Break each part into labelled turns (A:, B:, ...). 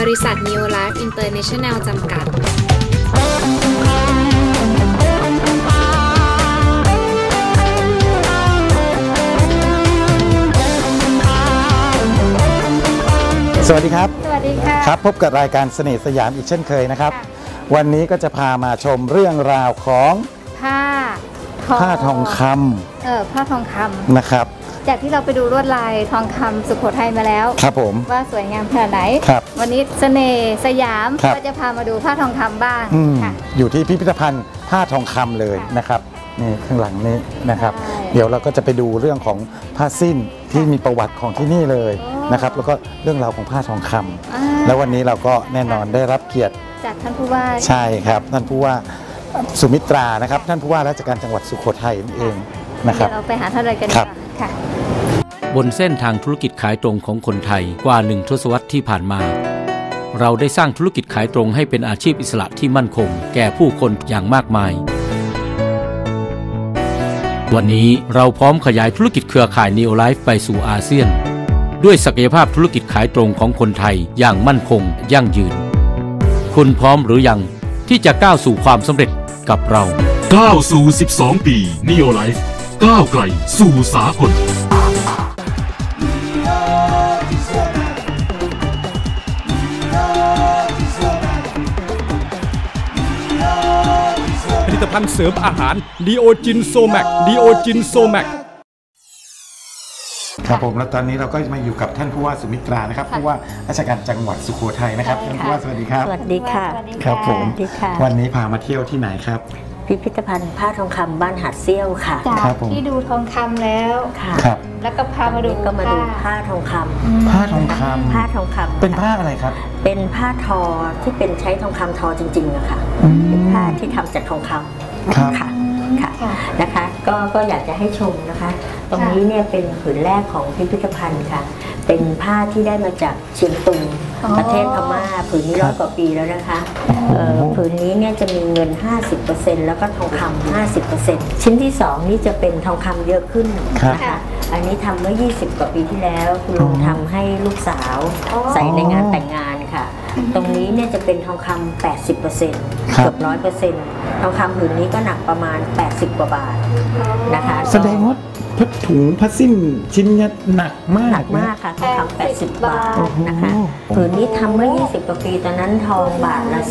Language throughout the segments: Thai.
A: ริษัท Neo Life International จำกัด
B: สวัสดีครับ
C: สวัสดีค่ะ
B: ครับพบกับรายการเสน่ห์สยามอีกเช่นเคยนะครับวันนี้ก็จะพามาชมเรื่องราวของ
C: ผ้า
B: ทองค
C: ำผ้าทองคำ
B: นะครับ
C: จากที่เราไปดูลวดลายทองคำสุโขทัยมาแล้ว
B: ครับผม
C: ว่าสวยงามขนาดไหนวันนี้เสน่ห์สยามก็จะพามาดูผ้าทองคำบ้าง
B: อยู่ที่พิพิธภัณฑ์ผ้าทองคำเลยนะครับนี่ข้างหลังนี้นะครับเดี๋ยวเราก็จะไปดูเรื่องของผ้าสิ้นที่มีประวัติของที่นี่เลยนะครับแล้วก็เรื่องราวของผ้าทองคำแล้ววันนี้เราก็แน่นอนได้รับเกียรติ
C: จากท่านผู้ว่า
B: ใช่ครับท่านผู้ว่าสุมิตรานะครับท่านผู้ว่าราชการจังหวัดสุโขทัยนั่นเองนะครับ
C: เราไปหาท่านเลยกันค่ะ
D: บนเส้นทางธุรกิจขายตรงของคนไทยกว่า1 ทศวรรษที่ผ่านมาเราได้สร้างธุรกิจขายตรงให้เป็นอาชีพอิสระที่มั่นคงแก่ผู้คนอย่างมากมายวันนี้เราพร้อมขยายธุรกิจเครือข่าย Neo Life ไปสู่อาเซียนด้วยศักยภาพธุรกิจขายตรงของคนไทยอย่างมั่นคงยั่งยืนคุณพร้อมหรือยังที่จะก้าวสู่ความสำเร็จกับเรา
E: ก้าวสู่12 ปี Neo Life ก้าวไกลสู่สากล
F: ผลิตภัณฑ์เสริมอาหารดีโอจินโซแมก
B: ครับผมแล้วตอนนี้เราก็มาอยู่กับท่านผู้ว่าสุมิตรานะครับผู้ว่าราชการจังหวัดสุโขทัยนะครับท่านผู้ว่าสวัสดีครับ
G: สวัสดีค่ะ
B: ครับผมวันนี้พามาเที่ยวที่ไหนครับ
G: พิพิธภัณฑ์ผ้าทองคำบ้านหาดเซี่ยวค่ะ
C: จากที่ดูทองคำแล้ว
G: ค่ะ
C: แล้วก็พามาดู
G: ผ้าทองค
B: ำผ้าทองคำเป็นผ้าอะไรครับ
G: เป็นผ้าทอที่เป็นใช้ทองคำทอจริงๆอะค่ะเป็นผ้าที่ทำจากทองคำค่ะนะคะก็อยากจะให้ชมนะคะตรงนี้เนี่ยเป็นผืนแรกของพิพิธภัณฑ์ค่ะเป็นผ้าที่ได้มาจากเชียงตุงประเทศพม่าผืนนี้100 กว่าปีแล้วนะคะผืนนี้เนี่ยจะมีเงิน 50% แล้วก็ทองคำ 50% ชิ้นที่2นี่จะเป็นทองคำเยอะขึ้นนะคะอันนี้ทำเมื่อ20 กว่าปีที่แล้วคุณลุงทำให้ลูกสาวใส่ในงานแต่งงานค่ะตรงนี้เนี่ยจะเป็นทองคำ 80% เกือบ 100% ทองคำผืนนี้ก็หนักประมาณ80 กว่าบาทนะคะ
B: แสดงว่าผ้าถุงผ้าสิ้นชิ้นนี้หนักมาก
G: ค่ะทองคำ80 บาทนะคะผืนนี้ทำเมื่อ20 กว่าปีตอนนั้นทองบาทละ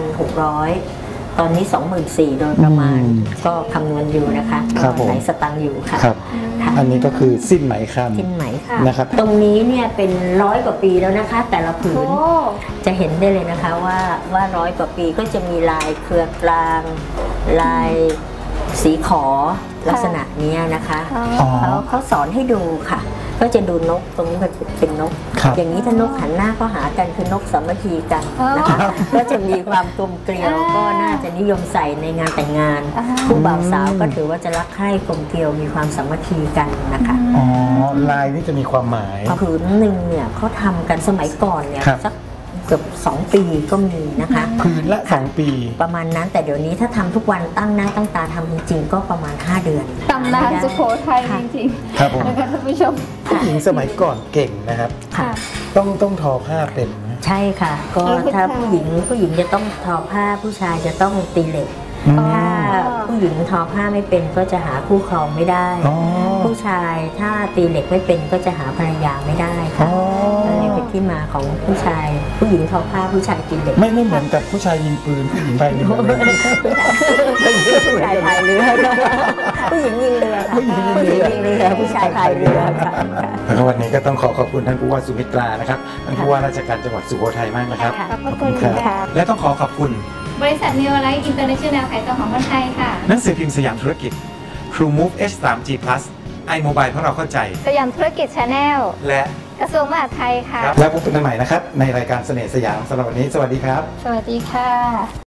G: 4,600 ตอนนี้ 24,000 โดยประมาณก็คำนวณอยู่นะคะไหนสตังค์อยู่ค่ะ
B: อันนี้ก็คือสิ้นไหมค
G: ำนะครับตรงนี้เนี่ยเป็น100 กว่าปีแล้วนะคะแต่ละผืนจะเห็นได้เลยนะคะว่า100 กว่าปีก็จะมีลายเครือกลางลายสีขอลักษณะนี้นะคะเขาสอนให้ดูค่ะก็จะดูนกตรงนี้มันเป็นนกอย่างนี้ถ้านกหันหน้าก็หากันคือนกสามัคคีกันนะคะก็จะมีความกลมเกลียวก็น่าจะนิยมใส่ในงานแต่งงานผู้บ่าวสาวก็ถือว่าจะรักใคร่กลมเกลียวมีความสามัคคีกันนะคะ
B: ลายนี่จะมีความหมาย
G: ผืนหนึ่งเนี่ยเขาทำกันสมัยก่อนเนี่ยสักเกือบ2 ปีก็มีนะคะ
B: ผืนละ2 ปี
G: ประมาณนั้นแต่เดี๋ยวนี้ถ้าทำทุกวันตั้งหน้าตั้งตาทำจริงๆก็ประมาณ5 เดือน
C: ตำนานสุโขทัยจริงๆ
B: ครับผม
C: นะคะท่านผู้ชม
B: ผู้หญิงสมัยก่อนเก่งนะครับต้องทอผ้าเป็น
G: ใช่ค่ะก็ถ้าผู้หญิงจะต้องทอผ้าผู้ชายจะต้องตีเหล็กถ้าผู้หญิงทอผ้าไม่เป็นก็จะหาคู่ครองไม่ได้ผู้ชายถ้าตีเหล็กไม่เป็นก็จะหาภรรยาไม่ได้ค่ะนี่เป็นที่มาของผู้ชายผู้หญิงทอผ้าผู้ชายตีเหล็ก
B: ไม่เหมือนกับผู้ชายยิงปืนผู้หญิงพายเรือ
G: ผู้ชายพายเรือผู้หญิงยิงเรือค่ะผู้หญิงยิงเรือผู้ชายพายเรือค่ะ
B: วันนี้ก็ต้องขอบคุณท่านผู้ว่าสุมิตรานะครับท่านผู้ว่าราชการจังหวัดสุโขทัยมากนะครับ
C: ขอบคุณค่ะ
B: และต้องขอบคุณ
A: บริษัท Neo Life International ขายตรงของคนไทยค่ะ
B: หนังสือพิมพ์สยามธุรกิจ True Move H3G Plus iMobile เพราะเราเข้าใจ
C: สยามธุรกิจ Channel
B: และ
C: กระทรวงมหาดไทยค่ะ
B: แล้วพบกันใหม่นะครับในรายการเสน่ห์สยามสำหรับวันนี้สวัสดีครับ
C: สวัสดีค่ะ